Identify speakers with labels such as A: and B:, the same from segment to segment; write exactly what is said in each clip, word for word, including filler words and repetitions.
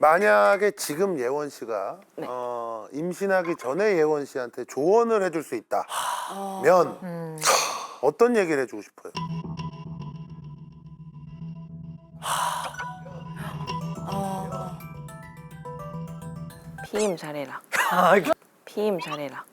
A: 만약에 지금 예원 씨가
B: 네.
A: 어, 임신하기 전에 예원 씨한테 조언을 해줄 수 있다면
C: 음.
A: 어떤 얘기를 해주고 싶어요?
B: 피임 잘해라. 피임 잘해라.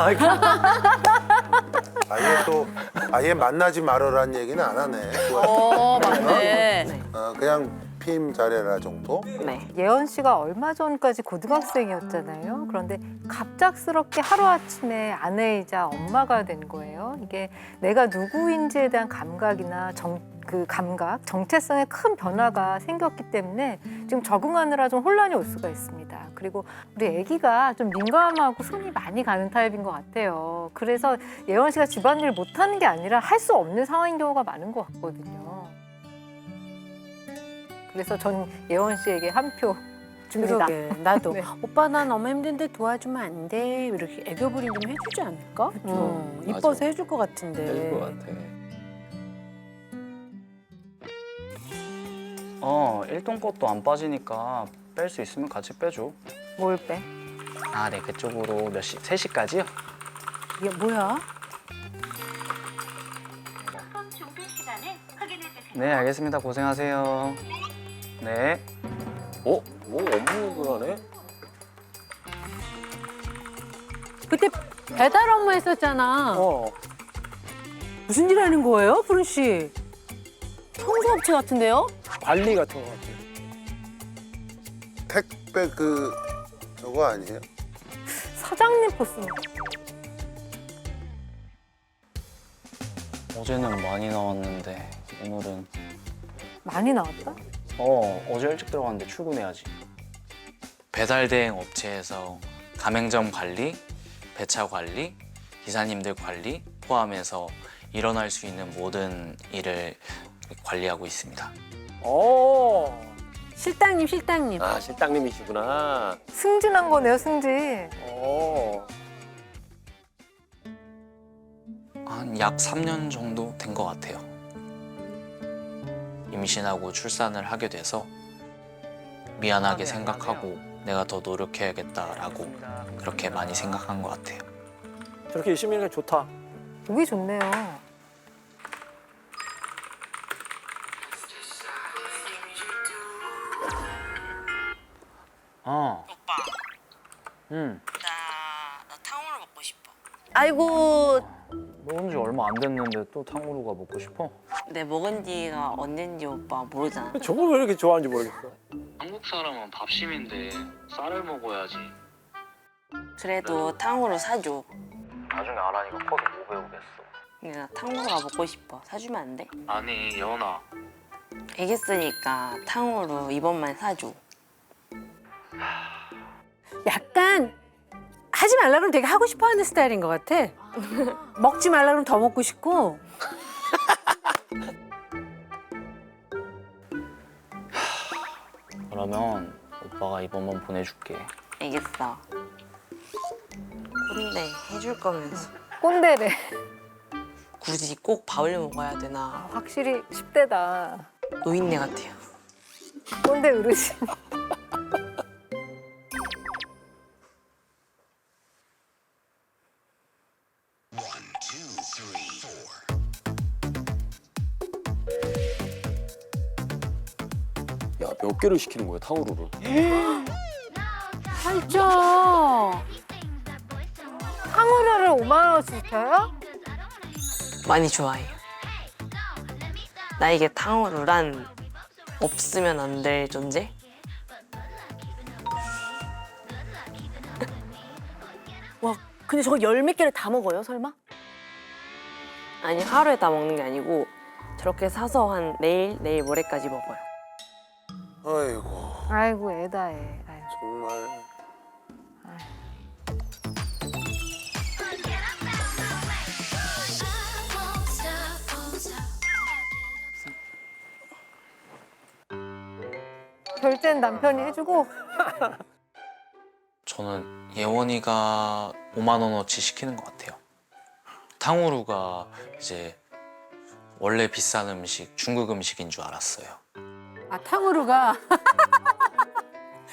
A: 아예 또 아예 만나지 말아라는 얘기는 안 하네.
C: 어, 맞네.
B: 네.
A: 어, 그냥 피임 잘해라 정도?
B: 네.
C: 예원 씨가 얼마 전까지 고등학생이었잖아요. 그런데 갑작스럽게 하루아침에 아내이자 엄마가 된 거예요. 이게 내가 누구인지에 대한 감각이나 정, 그 감각, 정체성에 큰 변화가 생겼기 때문에 지금 적응하느라 좀 혼란이 올 수가 있습니다. 그리고 우리 아기가 좀 민감하고 손이 많이 가는 타입인 것 같아요. 그래서 예원 씨가 집안일 못하는 게 아니라 할 수 없는 상황인 경우가 많은 것 같거든요. 그래서 전 예원 씨에게 한 표 줍니다.
D: 그러게 나도
C: 네.
D: 오빠 나 너무 힘든데 도와주면 안 돼 이렇게 애교 부림 좀 해주지 않을까? 어, 이뻐서
E: 맞아.
D: 해줄 것 같은데.
E: 해줄 것 같아.
F: 어, 일동 것도 안 빠지니까 뺄 수 있으면 같이 빼줘.
C: 뭘 빼?
F: 아, 네, 그쪽으로 몇 시? 세 시까지요?
D: 이게 뭐야?
F: 네, 알겠습니다. 고생하세요. 네.
E: 어? 뭐 업무를 하네?
D: 그때 배달 업무 했었잖아.
E: 어.
D: 무슨 일 하는 거예요, 푸른 씨? 청소업체 같은데요?
E: 관리 같은 거 같아.
A: 택배 그 저거 아니에요?
C: 사장님 포스.
F: 어제는 많이 나왔는데 오늘은
C: 많이 나왔다?
F: 어, 어제 일찍 들어갔는데 출근해야지. 배달 대행 업체에서 가맹점 관리, 배차 관리, 기사님들 관리 포함해서 일어날 수 있는 모든 일을 관리하고 있습니다.
E: 어.
D: 실장님, 실장님.
E: 아, 실장님이시구나.
C: 승진한 거네요, 승진.
E: 어.
F: 한 약 삼 년 정도 된 것 같아요. 임신하고 출산을 하게 돼서 미안하게 생각하고 내가 더 노력해야겠다라고 그렇게 많이 생각한 것 같아요.
E: 저렇게 열심히 하는 게 좋다.
C: 보기 좋네요.
F: 어,
B: 오빠,
F: 응.
B: 나, 나 탕후루 먹고 싶어.
D: 아이고,
F: 먹은 지 얼마 안 됐는데 또 탕후루가 먹고 싶어?
B: 내 먹은 지가 언젠지 오빠 모르잖아.
E: 저걸 왜 이렇게 좋아하는지 모르겠어.
F: 한국 사람은 밥심인데 쌀을 먹어야지.
B: 그래도 탕후루 사줘.
F: 나중에 아란이가 커서 못 배우겠어.
B: 근데 나 탕후루가 먹고 싶어. 사주면 안 돼?
F: 아니, 여은아.
B: 애기쓰니까 탕후루 이번만 사줘.
D: 약간 하지 말라 그러면 되게 하고 싶어 하는 스타일인 것 같아. 먹지 말라 그러면 더 먹고 싶고.
F: 그러면 오빠가 이번만 보내줄게.
B: 알겠어. 근데 해줄 거면서
C: 꼰대래.
B: 굳이 꼭 밥을 먹어야 되나.
C: 확실히 십 대다.
B: 노인네 같아요.
C: 꼰대 어르신.
E: 야, 몇 개를 시키는 거야, 탕후루를?
D: 살쪄.
C: 탕후루를 오만 원씩 줘요?
B: 많이 좋아해요. 나에게 탕후루란 없으면 안 될 존재?
D: 와, 근데 저거 열 몇 개를 다 먹어요, 설마?
B: 아니 하루에 다 먹는 게 아니고 저렇게 사서 한 내일, 내일 모레까지 먹어요.
A: 아이고
C: 아이고 애다 애. 아이고.
A: 정말.
C: 결제는 남편이 해주고.
F: 저는 예원이가 오만 원어치 시키는 것 같아요. 탕후루가 이제 원래 비싼 음식, 중국 음식인 줄 알았어요.
D: 아, 탕후루가